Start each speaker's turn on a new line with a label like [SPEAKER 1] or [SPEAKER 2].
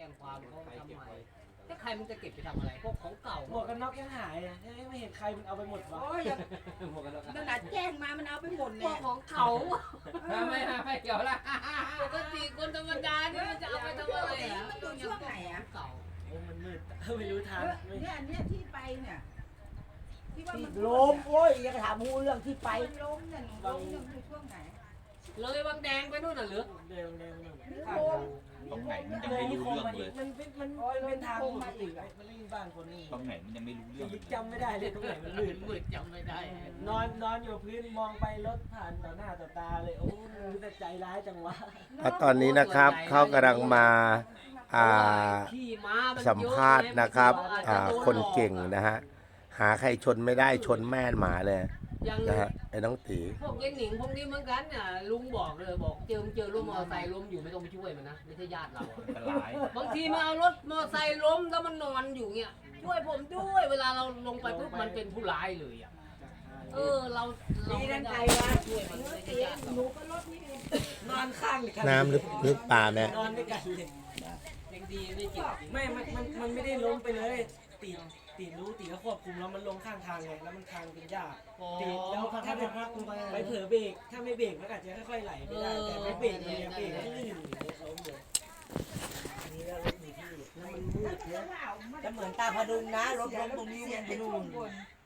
[SPEAKER 1] งความเขาทำไมถ้าใครมันจะเก็บไปทำอะไรพวกของเก่า
[SPEAKER 2] หมวกกันน็อกยังหายอ่ะไม่เห็นใครมันเอาไปหมดวะ
[SPEAKER 3] โอ้ยอย่า
[SPEAKER 1] หมวกกันน็อก
[SPEAKER 3] ขนาดแจ้งมามันเอาไปหมด
[SPEAKER 1] พ
[SPEAKER 3] เนี่
[SPEAKER 1] วย กของเก่าไม่เกี่ยวละปกติคนธรรมดานี่มันจะเอาไปทำอะไรอ่ะ
[SPEAKER 3] มันอยู่ช่วงไหนอ่ะ
[SPEAKER 1] เก่า
[SPEAKER 2] โอ้มันมืดไม่รู้ทางไม่
[SPEAKER 3] เนี่ยที่ไปเนี่ยที่ว่ามัน
[SPEAKER 4] ล้มโอ้ยยังถามหูเรื่องที่ไป
[SPEAKER 3] ไปล้มเนี่ยล้มเนี่ยอยู่ช่วงไหน
[SPEAKER 1] เลยบางแดงไปนู่นน่ะหรือ
[SPEAKER 2] เดินเดิน
[SPEAKER 3] โค้ง
[SPEAKER 5] ตรงไหนมันยัง
[SPEAKER 2] เลย
[SPEAKER 5] ไม่
[SPEAKER 2] นี่
[SPEAKER 5] รู้
[SPEAKER 2] คง
[SPEAKER 5] เรื่อง
[SPEAKER 2] มา
[SPEAKER 5] เล
[SPEAKER 2] อีก
[SPEAKER 5] ย
[SPEAKER 2] มันเป็นทางมาอีกมันไม่มีบ้านคนนี่
[SPEAKER 5] ตรงไหนมันยังไม่รู้เรื่องเลย
[SPEAKER 2] จำไม่ได้เลยตรงไหนมันลื่น
[SPEAKER 1] มืดจำไม่ได้
[SPEAKER 2] นอนอยู่พื้นมองไปรถผ่านต่อหน้าต่อตาเลยโอ้มันจะใจร้ายจังวะ
[SPEAKER 6] แล้วตอนนี้นะครับเขากำลังมา
[SPEAKER 1] ขี่ม้ามัน
[SPEAKER 6] สัมภาษณ์นะครับคนเก่งนะฮะหาใครชนไม่ได้ชนแม่หมาเลย
[SPEAKER 1] ยัง
[SPEAKER 6] นะฮะไอ้น้องตี
[SPEAKER 1] พวกเย็นหนิงพวกนี้เหมือนกันน่ะลุงบอกเลยบอกเจอรถมอเตอร์ไซค์ล้มอยู่ไม่ต้องไปช่วยมันนะไม่ใช่ญาติเรา
[SPEAKER 5] อันตราย
[SPEAKER 1] บางทีมาเอารถมอเตอร์ไซค์ล้มแล้วมันนอนอยู่เงี้ยช่วยผมด้วยเวลาเราลงไปปุ๊บมันเป็นผู้ร้ายเลยอ่ะเรา
[SPEAKER 3] ดีนั่นใครวะ
[SPEAKER 1] ช่วยมันไม่ใช่ญาติเรา
[SPEAKER 3] หนูก็รถนี่เอง
[SPEAKER 2] นอนข้างกัน
[SPEAKER 6] น้ำลึกป่าแม่
[SPEAKER 2] นอนด้วยกันเลย
[SPEAKER 1] ยังดีไม่เจ็บ
[SPEAKER 2] ไม่มันไม่ได้ล้มไปเลยตีรู้ตีก็ควบคุมแล้วมันลงข้างทางไงแล้วมันทางเป็นหญ้าตีแล้วถ้าไปเผลอเบรกถ้าไม่เบรกมันอาจจะค่อยๆไหลไปได้แต่ไม่เบรกมันยังเบรกไม่ลื่นล้มเลยอันนี้แล้วรถอยู่ที่แล้วมันมืด
[SPEAKER 3] แล้ว
[SPEAKER 2] เนี่ย
[SPEAKER 3] ก็เอามา
[SPEAKER 4] จะเหมือนตาพดุงนะรถล้มตรงนี้มันไปนู่น